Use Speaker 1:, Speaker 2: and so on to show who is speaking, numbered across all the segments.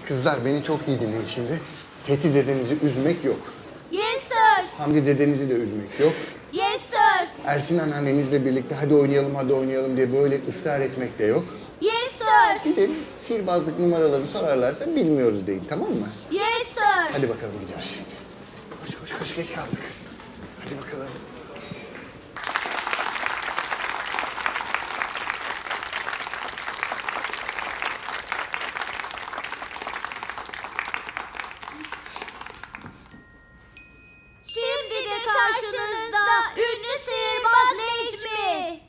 Speaker 1: Kızlar beni çok iyi dinleyin şimdi. Fethi dedenizi üzmek yok.
Speaker 2: Yes sir.
Speaker 1: Hamdi dedenizi de üzmek yok.
Speaker 2: Yes sir.
Speaker 1: Ersin anneannenizle birlikte hadi oynayalım diye böyle ısrar etmek de yok.
Speaker 2: Yes sir.
Speaker 1: Bir de sihirbazlık numaraları sorarlarsa bilmiyoruz değil, tamam mı?
Speaker 2: Yes sir.
Speaker 1: Hadi bakalım gidiyoruz şimdi. Koş geç kaldık. Hadi bakalım.
Speaker 2: Şimdi de karşınızda ünlü sihirbaz Necmi.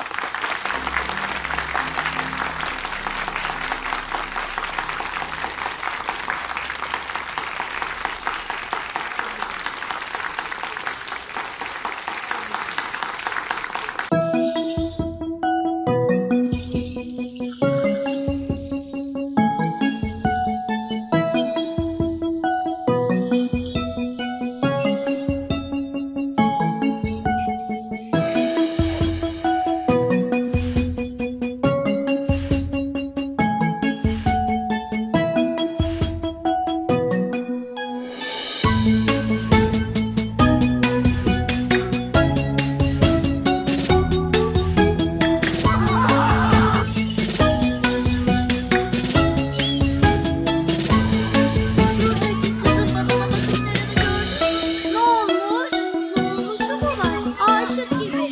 Speaker 3: Ne olmuş? Ne olmuşu mu var? Aşık gibi.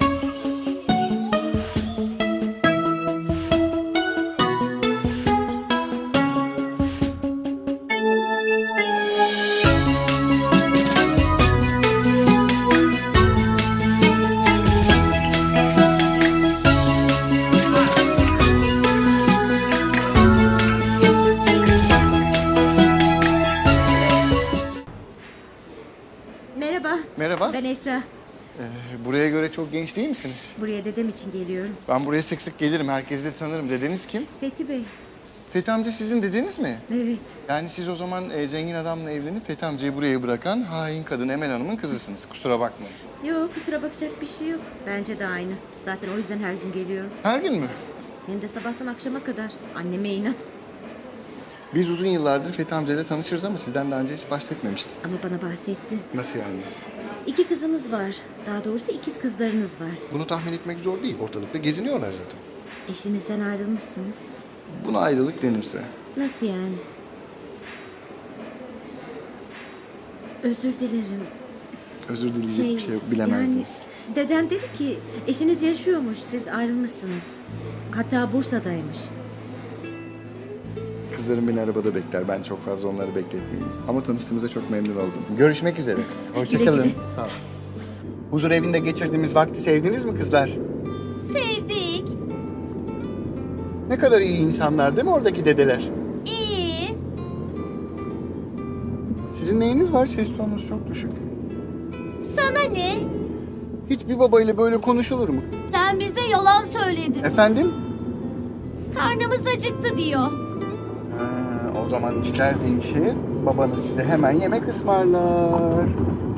Speaker 4: Merhaba.
Speaker 1: Merhaba.
Speaker 4: Ben Esra.
Speaker 1: Buraya göre çok genç değil misiniz?
Speaker 4: Buraya dedem için geliyorum.
Speaker 1: Ben buraya sık sık gelirim. Herkesi de tanırım. Dedeniz kim?
Speaker 4: Fethi Bey.
Speaker 1: Fethi amca sizin dedeniz mi?
Speaker 4: Evet.
Speaker 1: Yani siz o zaman zengin adamla evlenip Fethi amcayı buraya bırakan hain kadın Emel Hanım'ın kızısınız. Kusura bakmayın.
Speaker 4: Yok, kusura bakacak bir şey yok. Bence de aynı. Zaten o yüzden her gün geliyorum.
Speaker 1: Her gün mü?
Speaker 4: Hem de sabahtan akşama kadar. Anneme inat.
Speaker 1: Biz uzun yıllardır Fethi amcayla tanışırız ama sizden daha önce hiç bahsetmemiştim.
Speaker 4: Ama bana bahsetti.
Speaker 1: Nasıl yani?
Speaker 4: 2 kızınız var. Daha doğrusu ikiz kızlarınız var.
Speaker 1: Bunu tahmin etmek zor değil. Ortalıkta geziniyorlar zaten.
Speaker 4: Eşinizden ayrılmışsınız.
Speaker 1: Buna ayrılık denirse.
Speaker 4: Nasıl yani? Özür dilerim.
Speaker 1: Özür dileyecek bir şey yok. Bilemezdiniz.
Speaker 4: Yani dedem dedi ki eşiniz yaşıyormuş, siz ayrılmışsınız. Hatta Bursa'daymış.
Speaker 1: Kızlarım beni arabada bekler. Ben çok fazla onları bekletmeyeyim. Ama tanıştığımıza çok memnun oldum. Görüşmek üzere. Hoşçakalın.
Speaker 4: güle.
Speaker 1: Sağ ol. Huzur evinde geçirdiğimiz vakti sevdiniz mi kızlar?
Speaker 2: Sevdik.
Speaker 1: Ne kadar iyi insanlar değil mi oradaki dedeler?
Speaker 2: İyi.
Speaker 1: Sizin neyiniz var? Ses tonunuz çok düşük.
Speaker 2: Sana ne?
Speaker 1: Hiçbir babayla böyle konuşulur mu?
Speaker 2: Sen bize yalan söyledin.
Speaker 1: Efendim?
Speaker 2: Karnımız acıktı diyor.
Speaker 1: Ha, o zaman işler değişir. Babanız size hemen yemek ısmarlar.